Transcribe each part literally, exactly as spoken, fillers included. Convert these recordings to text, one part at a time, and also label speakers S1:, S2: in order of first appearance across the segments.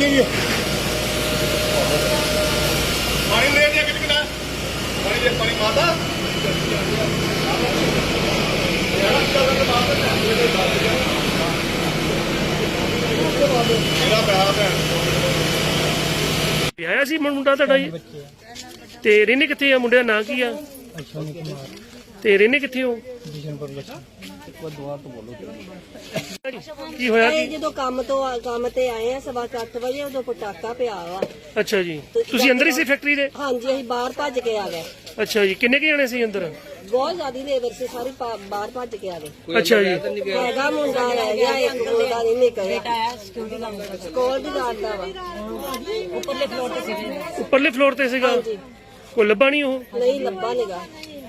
S1: देखिए पानी ले दिया कितना पानी दे पानी माता मेरा प्यार है
S2: ਵਿਆਹਿਆ ਸੀ ਮੁੰਡਾ ਤੁਹਾਡਾ ਜੀ ਤੇ ਰਹਿੰਦੇ ਕਿੱਥੇ ਆ ਮੁੰਡੇ ਦਾ ਨਾਂ ਕੀ ਆ
S3: ਅਸ਼ਵਨੀ ਕੁਮਾਰ
S2: ਤੇ ਰਹਿੰਦੇ ਕਿੱਥੇ ਹੋ
S3: ਬਿਸ਼ਨਪੁਰ ਲੱਛਾ
S2: ਕੀ ਹੋਇਆ
S4: ਇਹ
S2: ਕੀ
S4: ਜਦੋਂ ਕੰਮ ਤੋਂ ਕੰਮ ਤੇ ਆਏ ਆ ਸਵਾ ਅੱਠ ਵਜੇ ਉਦੋਂ ਪਟਾਕਾ ਪਿਆ ਵਾ।
S2: ਅੱਛਾ ਜੀ ਤੁਸੀਂ ਅੰਦਰ ਹੀ ਸੀ ਫੈਕਟਰੀ ਦੇ
S4: ਹਾਂਜੀ ਅਸੀਂ ਬਾਹਰ ਭੱਜ ਕੇ ਆ ਗਏ।
S2: ਅੱਛਾ ਜੀ ਕਿੰਨੇ ਕੁ ਜਾਣੇ ਸੀ ਅੰਦਰ
S4: ਬਹੁਤ ਜ਼ਿਆਦਾ ਲੇਬਰ ਸੀ ਸਾਰੀ ਪਾ- ਬਾਹਰ ਭੱਜ ਕੇ ਆ ਗਏ।
S2: ਅੱਛਾ ਜੀ
S4: ਹੈਗਾ ਮੁੰਡਾ ਰਹਿ ਗਿਆ ਇੱਕ ਮੁੰਡਾ ਨਹੀਂ ਨਿਕਲਿਆ ਸਕੂਲ ਦੀ ਗੱਲ ਦਾ ਵਾ ਉੱਪਰਲੇ ਫਲੋਰ ਤੇ ਸੀ।
S2: ਉੱਪਰਲੇ ਫਲੋਰ ਤੇ ਸੀਗਾ
S4: ਹਾਂਜੀ
S2: ਕੋਈ ਲੱਭਾ ਨਹੀਂ ਉਹ
S4: ਨਹੀਂ ਲੱਭਾ ਨਿਗਾ।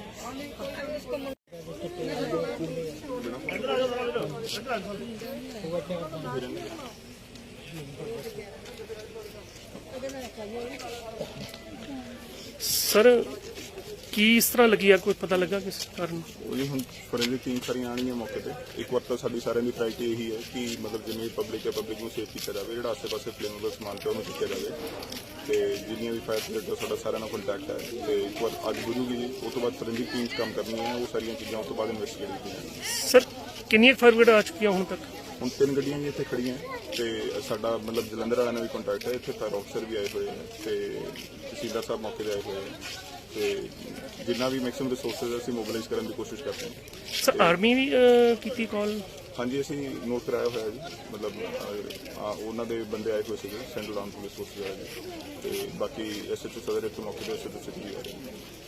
S2: ਸਰ ਕੀ ਇਸ ਤਰ੍ਹਾਂ ਲੱਗੀ ਆ ਕੋਈ ਪਤਾ ਲੱਗਾ ਕਿਸ ਕਾਰਨ
S5: ਉਹਦੀ ਹੁਣ ਫੋਰੈਂਸਿਕ ਟੀਮ ਸਾਰੀਆਂ ਆਉਣਗੀਆਂ ਮੌਕੇ ਤੇ। ਇੱਕ ਵਾਰ ਤਾਂ ਸਾਡੀ ਸਾਰਿਆਂ ਦੀ ਪ੍ਰਾਇਰਟੀ ਇਹੀ ਹੈ ਕਿ ਮਤਲਬ ਜਿੰਨੀ ਪਬਲਿਕ ਹੈ ਪਬਲਿਕ ਨੂੰ ਸੇਫ ਕੀਤਾ ਜਾਵੇ, ਜਿਹੜਾ ਆਸੇ-ਪਾਸੇ ਫਲੇਮੇਬਲ ਸਮਾਨ ਪਿਆ ਉਹਨੂੰ ਚੁੱਕਿਆ ਜਾਵੇ ਤੇ ਜਿੰਨੀਆਂ ਵੀ ਫਾਇਰ ਬ੍ਰਿਗੇਡ ਸਾਡਾ ਸਾਰਿਆਂ ਨਾਲ ਕੰਟੈਕਟ ਹੈ ਤੇ ਇੱਕ ਵਾਰ ਅੱਜ ਗੁਜੂਗੀ ਜੀ ਉਸ ਤੋਂ ਬਾਅਦ ਫੋਰੈਂਸਿਕ ਟੀਮ ਕੰਮ ਕਰਨੀ ਹੈ ਉਹ ਸਾਰੀਆਂ ਚੀਜ਼ਾਂ ਉਸ ਤੋਂ ਬਾਅਦ ਇਨਵੈਸਟੀਗੇਟ ਕੀਤੀਆਂ।
S2: ਸਰ ਕਿੰਨੀਆਂ ਫਾਇਰ ਬ੍ਰਿਗੇਡ ਆ ਚੁੱਕੀਆਂ ਹੁਣ ਤੱਕ
S5: ਹੁਣ ਤਿੰਨ ਗੱਡੀਆਂ ਜੀ ਇੱਥੇ ਖੜੀਆਂ ਤੇ ਸਾਡਾ ਮਤਲਬ ਜਲੰਧਰ ਵਾਲਿਆਂ ਨਾਲ ਵੀ ਕੰਟੈਕਟ ਹੈ, ਇੱਥੇ ਫਾਇਰ ਆਫਸਰ ਵੀ ਆਏ ਹੋਏ ਨੇ ਤੇ ਤਹਿਸੀਲਦਾਰ ਸਾਹਿਬ ਮੌਕੇ ਤੇ ਆਏ ਹੋਏ ਨੇ ਤੇ ਜਿੰਨਾ ਵੀ ਮੈਕਸਿਮਮ ਰਿਸੋਰਸਿਸ ਅਸੀਂ ਮੋਬਿਲਾਈਜ਼ ਕਰਨ ਦੀ ਕੋਸ਼ਿਸ਼ ਕਰਦੇ ਹਾਂ।
S2: ਸਰ ਆਰਮੀ ਵੀ ਅਹ, ਕੀਤੀ ਕਾਲ
S5: ਹਾਂਜੀ ਅਸੀਂ ਨੋਟ ਕਰਾਇਆ ਹੋਇਆ ਜੀ, ਮਤਲਬ ਅਹ, ਆ, ਉਹਨਾਂ ਦੇ ਬੰਦੇ ਆਏ ਹੋਏ ਸੀਗੇ ਸੈਂਟਰਲ ਆਰਮ ਪੁਲਿਸ ਫੋਰਸ ਦੇ ਤੇ ਬਾਕੀ ਐਸਐਚਓ ਸਦਰ ਇੱਥੇ ਮੌਕੇ ਤੇ ਐਸਐਚਓ ਸਿਟੀ ਵੀ ਆ ਰਹੇ ਨੇ।